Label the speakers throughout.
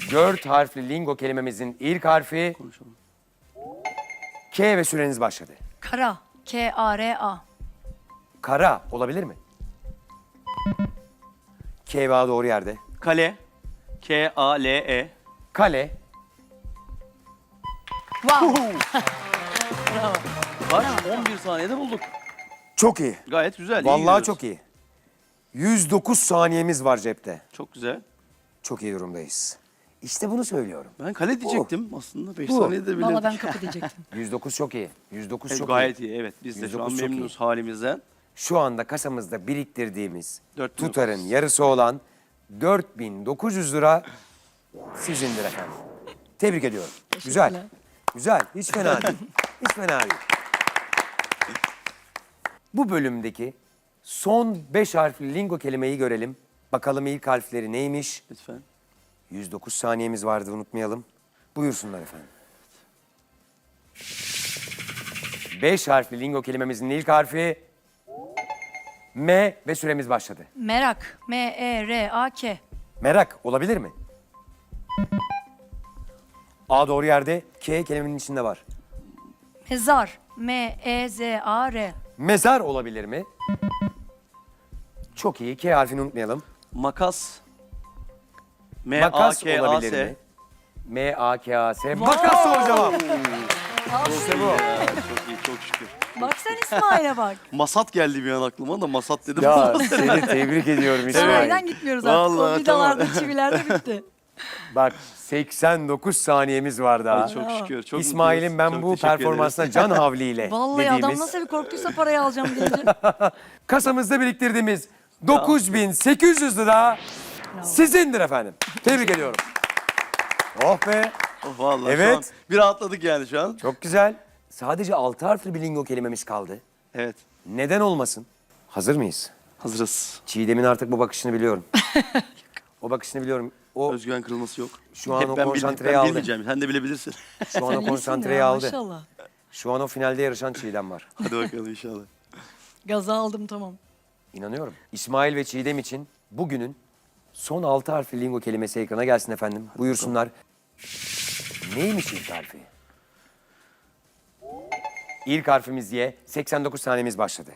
Speaker 1: 4 harfli lingo kelimemizin ilk harfi
Speaker 2: Konuşalım.
Speaker 1: K ve süreniz başladı.
Speaker 3: Kara. K-A-R-A.
Speaker 1: Kara olabilir mi? K ve A doğru yerde.
Speaker 2: Kale. K-A-L-E.
Speaker 1: Kale.
Speaker 3: Wow.
Speaker 2: Kaç? 11 saniyede bulduk.
Speaker 1: Çok iyi.
Speaker 2: Gayet güzel. iyi
Speaker 1: Vallahi
Speaker 2: gidiyoruz.
Speaker 1: çok iyi. 109 saniyemiz var cepte.
Speaker 2: Çok güzel.
Speaker 1: Çok iyi durumdayız. İşte bunu söylüyorum.
Speaker 2: Ben kale diyecektim aslında. 5
Speaker 1: Bu.
Speaker 2: saniyede bilirdik.
Speaker 3: Valla ben kapı diyecektim.
Speaker 1: 109 çok iyi. 109 çok iyi.
Speaker 2: Gayet iyi. Evet. Biz de şu an
Speaker 1: 109 çok
Speaker 2: memnunuz halimizden.
Speaker 1: Şu anda kasamızda biriktirdiğimiz
Speaker 2: 4900.
Speaker 1: tutarın yarısı olan 4.900 lira sizindir efendim. Tebrik ediyorum. Güzel. Güzel. Hiç fena değil. Hiç fena değil. Bu bölümdeki son 5 harfli lingo kelimeyi görelim. Bakalım ilk harfleri neymiş?
Speaker 2: Lütfen.
Speaker 1: 109 saniyemiz vardı, unutmayalım. Buyursunlar efendim. 5 harfli lingo kelimemizin ilk harfi M ve süremiz başladı.
Speaker 3: Merak. M-E-R-A-K.
Speaker 1: Merak olabilir mi? A doğru yerde, K kelimenin içinde var.
Speaker 3: Mezar. M-E-Z-A-R.
Speaker 1: Mezar olabilir mi? Çok iyi, K harfini unutmayalım.
Speaker 2: Makas.
Speaker 1: Makas
Speaker 2: M-A-K-A-S.
Speaker 1: olabilir mi? M-A-K-A-S. Makas doğru cevap. İşte bu.
Speaker 2: Ya, çok iyi, çok şükür.
Speaker 3: Bak sen İsmail'e bak.
Speaker 2: Masat geldi bir an aklıma da masat dedim.
Speaker 1: Ya seni tebrik ediyorum İsmail.
Speaker 3: Sahiden gitmiyoruz artık.
Speaker 2: Vallahi
Speaker 3: O vidalarda, çivilerde bitti.
Speaker 1: Bak 89 saniyemiz var daha.
Speaker 2: Ay, çok şükür. Çok
Speaker 1: İsmail'in ben
Speaker 2: mutluyuz.
Speaker 1: bu
Speaker 2: Çok teşekkür
Speaker 1: performansına can havliyle
Speaker 3: Vallahi adam
Speaker 1: dediğimiz
Speaker 3: nasıl bir korktuysa parayı alacağım deyince.
Speaker 1: kasamızda biriktirdiğimiz 9.800 lira sizindir efendim. Tebrik ediyorum. Oh be.
Speaker 2: ederiz. Oh, vallahi
Speaker 1: Evet.
Speaker 2: şu an bir rahatladık yani şu an.
Speaker 1: Çok güzel. Sadece 6 harfli bir lingo kelimemiz kaldı.
Speaker 2: Evet.
Speaker 1: Neden olmasın? Hazır mıyız?
Speaker 2: Hazırız.
Speaker 1: Çiğdem'in artık bu bakışını biliyorum. O bakışını biliyorum. O
Speaker 2: Özgüven kırılması yok.
Speaker 1: Şu an o
Speaker 2: ben
Speaker 1: konsantreyi aldı.
Speaker 2: bilmeyeceğim. Sen de bilebilirsin.
Speaker 1: şu an o
Speaker 3: İyisin
Speaker 1: konsantreyi
Speaker 3: ya,
Speaker 1: aldı.
Speaker 3: Maşallah.
Speaker 1: Şu an o finalde yarışan Çiğdem var.
Speaker 2: Hadi bakalım inşallah.
Speaker 3: Gaza aldım tamam.
Speaker 1: İnanıyorum. İsmail ve Çiğdem için bugünün son 6 harfli lingo kelimesi ekrana gelsin efendim. Buyursunlar. Neymiş ilk harfi? İlk harfimiz Y. 89 saniyemiz başladı.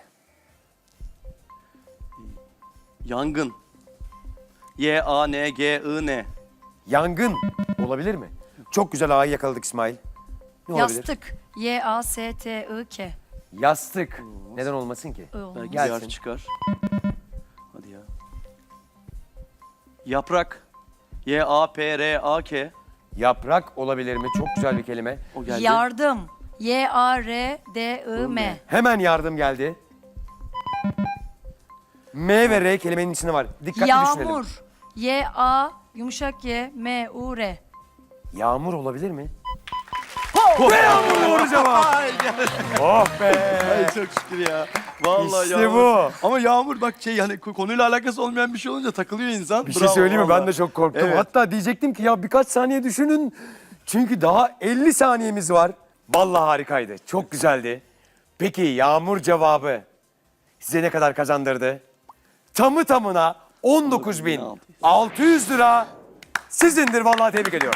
Speaker 2: Yangın. Y-A-N-G-I-N.
Speaker 1: Yangın olabilir mi? Çok güzel A'yı yakaladık İsmail. Ne olabilir?
Speaker 3: Yastık. Y-A-S-T-I-K.
Speaker 1: Yastık. Neden olmasın ki?
Speaker 2: Belki bir
Speaker 1: Gelsin.
Speaker 2: harf çıkar. Hadi ya. Yaprak. Y-A-P-R-A-K.
Speaker 1: Yaprak olabilir mi? Çok güzel bir kelime.
Speaker 2: O geldi.
Speaker 3: Yardım. Y-A-R-D-I-M.
Speaker 1: Hemen yardım geldi. M ve R kelimenin içinde var. Dikkatli düşünelim.
Speaker 3: Yağmur. Y-A yumuşak Y-M-U-R.
Speaker 1: Yağmur olabilir mi? Ve yağmur doğru cevap. Oh be.
Speaker 2: Ay çok şükür ya. Vallahi
Speaker 1: İşte
Speaker 2: yağmur.
Speaker 1: bu.
Speaker 2: Ama yağmur bak hani konuyla alakası olmayan bir şey olunca takılıyor insan.
Speaker 1: Bir şey
Speaker 2: Bravo,
Speaker 1: söyleyeyim mi? Ben
Speaker 2: vallahi.
Speaker 1: de çok korktum.
Speaker 2: Evet.
Speaker 1: Hatta diyecektim ki ya birkaç saniye düşünün. Çünkü daha 50 saniyemiz var. Vallahi harikaydı. Çok güzeldi. Peki yağmur cevabı size ne kadar kazandırdı? Tamı tamına 19.600 lira sizindir. Vallahi tebrik ediyorum.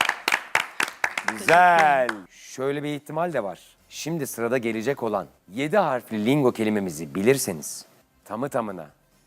Speaker 1: Güzel. Şöyle bir ihtimal de var. Şimdi sırada gelecek olan 7 harfli lingo kelimemizi bilirseniz tamı tamına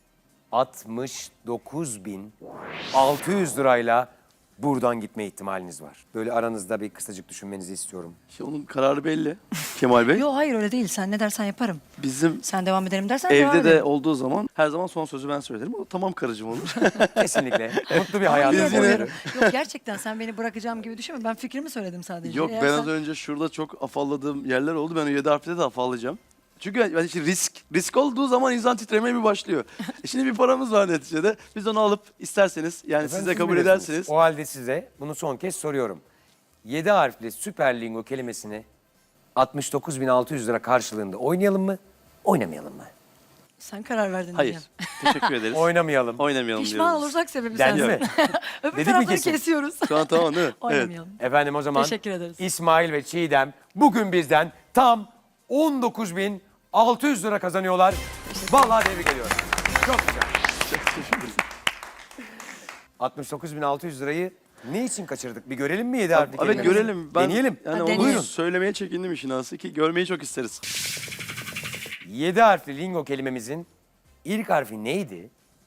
Speaker 1: 69.600 lirayla buradan gitme ihtimaliniz var. Böyle aranızda bir kısacık düşünmenizi istiyorum.
Speaker 2: İşte onun kararı belli. Kemal Bey.
Speaker 3: Yok hayır öyle değil. Sen ne dersen yaparım.
Speaker 2: Bizim
Speaker 3: Sen devam edelim dersen devam
Speaker 2: evde de
Speaker 3: edelim.
Speaker 2: olduğu zaman her zaman son sözü ben söylerim. O tamam karıcığım olur.
Speaker 1: Kesinlikle. Mutlu bir hayat.
Speaker 3: Yine de
Speaker 2: yine-
Speaker 3: uyarım. Yok gerçekten sen beni bırakacağım gibi düşünme. Ben fikrimi söyledim sadece.
Speaker 2: Yok
Speaker 3: Eğer
Speaker 2: ben
Speaker 3: sen-
Speaker 2: az önce şurada çok afalladığım yerler oldu. Ben o 7 harfte de afallayacağım. Çünkü ben işte risk olduğu zaman insan titremeye bir başlıyor. Şimdi bir paramız var neticede. Biz onu alıp isterseniz yani
Speaker 1: Efendim,
Speaker 2: siz de
Speaker 1: siz
Speaker 2: kabul
Speaker 1: biliyorsunuz.
Speaker 2: ederseniz.
Speaker 1: O halde size bunu son kez soruyorum. 7 harfli süper lingo kelimesini 69.600 lira karşılığında oynayalım mı? Oynamayalım mı?
Speaker 3: Sen karar verdin
Speaker 2: Hayır.
Speaker 3: diyeceğim.
Speaker 2: Teşekkür ederiz.
Speaker 1: Oynamayalım.
Speaker 2: Oynamayalım
Speaker 3: Pişman
Speaker 2: diyoruz.
Speaker 3: olursak sebebi
Speaker 1: Dendi
Speaker 3: sensin.
Speaker 1: mi?
Speaker 3: Öbür
Speaker 1: Dedik mi
Speaker 3: tarafları
Speaker 1: kesin?
Speaker 3: kesiyoruz.
Speaker 2: Şu an tamam değil mi? Evet.
Speaker 3: Oynamayalım.
Speaker 1: Efendim o zaman
Speaker 3: Teşekkür ederiz.
Speaker 1: İsmail ve Çiğdem bugün bizden tam 19.600 lira kazanıyorlar. Vallahi tebrik ediyorum. Çok güzel. 69.600 lirayı Ne için kaçırdık? Bir görelim mi 7 harfli
Speaker 2: Evet
Speaker 1: kelimemizi?
Speaker 2: görelim.
Speaker 1: Deneyelim.
Speaker 2: Yani
Speaker 3: Ha,
Speaker 2: onu
Speaker 3: deneyelim.
Speaker 2: söylemeye çekindim işin aslı ki görmeyi çok isteriz.
Speaker 1: 7 harfli lingo kelimemizin ilk harfi neydi?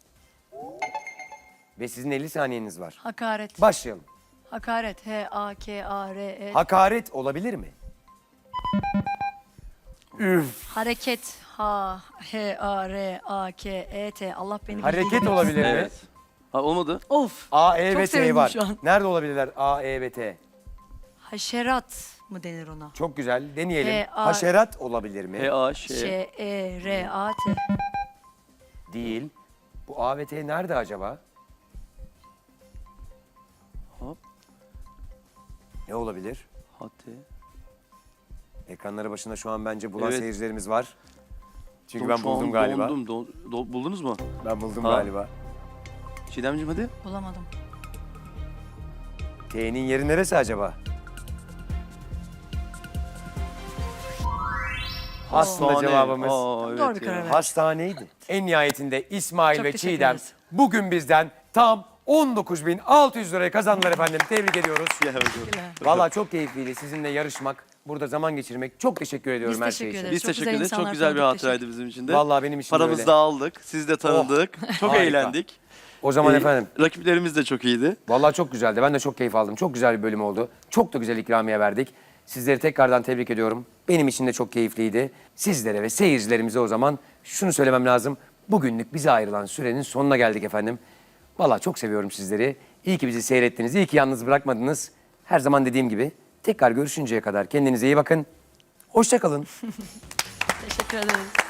Speaker 1: Ve sizin 50 saniyeniz var.
Speaker 3: Hakaret.
Speaker 1: Başlayalım.
Speaker 3: Hakaret. H-A-K-A-R-E.
Speaker 1: Hakaret olabilir mi? Üf.
Speaker 3: Hareket. H-A-R-A-K-E-T. Allah beni
Speaker 1: Hareket
Speaker 3: bildiği gibi.
Speaker 1: olabilir mi?
Speaker 2: Evet. Ha, olmadı.
Speaker 3: Of.
Speaker 1: A, E
Speaker 3: Çok
Speaker 1: ve T
Speaker 3: sevindim
Speaker 1: var.
Speaker 3: şu an.
Speaker 1: Nerede olabilirler A, E ve T?
Speaker 3: Haşerat mı denir ona?
Speaker 1: Çok güzel. Deneyelim.
Speaker 3: A-
Speaker 1: Haşerat olabilir mi?
Speaker 2: H-A-Ş.
Speaker 3: Ş-E-R-A-T.
Speaker 1: Değil. Bu A ve T nerede acaba?
Speaker 2: Hop.
Speaker 1: Ne olabilir?
Speaker 2: H-T.
Speaker 1: Ekranları başında şu an bence bulan
Speaker 2: Evet.
Speaker 1: seyircilerimiz var. Çünkü
Speaker 2: Şu
Speaker 1: ben
Speaker 2: an
Speaker 1: buldum galiba.
Speaker 2: Buldunuz mu?
Speaker 1: Ben buldum
Speaker 2: Ha.
Speaker 1: galiba.
Speaker 2: Çiğdemciğim hadi.
Speaker 3: Bulamadım.
Speaker 1: T'nin yeri neresi acaba? Aslında
Speaker 2: Hastane.
Speaker 1: cevabımız
Speaker 2: Evet
Speaker 3: Doğru bir
Speaker 2: ya.
Speaker 3: karar ver.
Speaker 1: hastaneydi. En nihayetinde İsmail
Speaker 3: Çok
Speaker 1: ve
Speaker 3: teşekkür
Speaker 1: Çiğdem
Speaker 3: ederiz.
Speaker 1: bugün bizden tam 19.600 lirayı kazandılar efendim. Tebrik ediyoruz.
Speaker 2: Gel bakalım.
Speaker 1: Vallahi çok keyifliydi sizinle yarışmak, burada zaman geçirmek. Çok teşekkür ediyorum
Speaker 3: Biz
Speaker 1: her
Speaker 3: teşekkür
Speaker 1: şey için.
Speaker 3: ederiz.
Speaker 2: Biz
Speaker 3: Çok
Speaker 2: teşekkür
Speaker 3: güzel
Speaker 2: ederiz. Çok
Speaker 3: insanlar
Speaker 2: güzel bir
Speaker 3: tanıdık,
Speaker 2: hatıraydı bizim için de.
Speaker 1: Vallahi benim için de
Speaker 2: Paramızı
Speaker 1: öyle.
Speaker 2: da aldık. Siz de tanıdık. Çok
Speaker 1: Harika.
Speaker 2: eğlendik.
Speaker 1: O zaman
Speaker 2: Ee,
Speaker 1: efendim,
Speaker 2: Rakiplerimiz de çok iyiydi.
Speaker 1: vallahi çok güzeldi. Ben de çok keyif aldım. Çok güzel bir bölüm oldu. Çok da güzel ikramiye verdik. Sizleri tekrardan tebrik ediyorum. Benim için de çok keyifliydi. Sizlere ve seyircilerimize o zaman şunu söylemem lazım. Bugünlük bize ayrılan sürenin sonuna geldik efendim. Vallahi çok seviyorum sizleri. İyi ki bizi seyrettiniz. İyi ki yalnız bırakmadınız. Her zaman dediğim gibi tekrar görüşünceye kadar kendinize iyi bakın. Hoşça kalın.
Speaker 3: Teşekkür ederiz.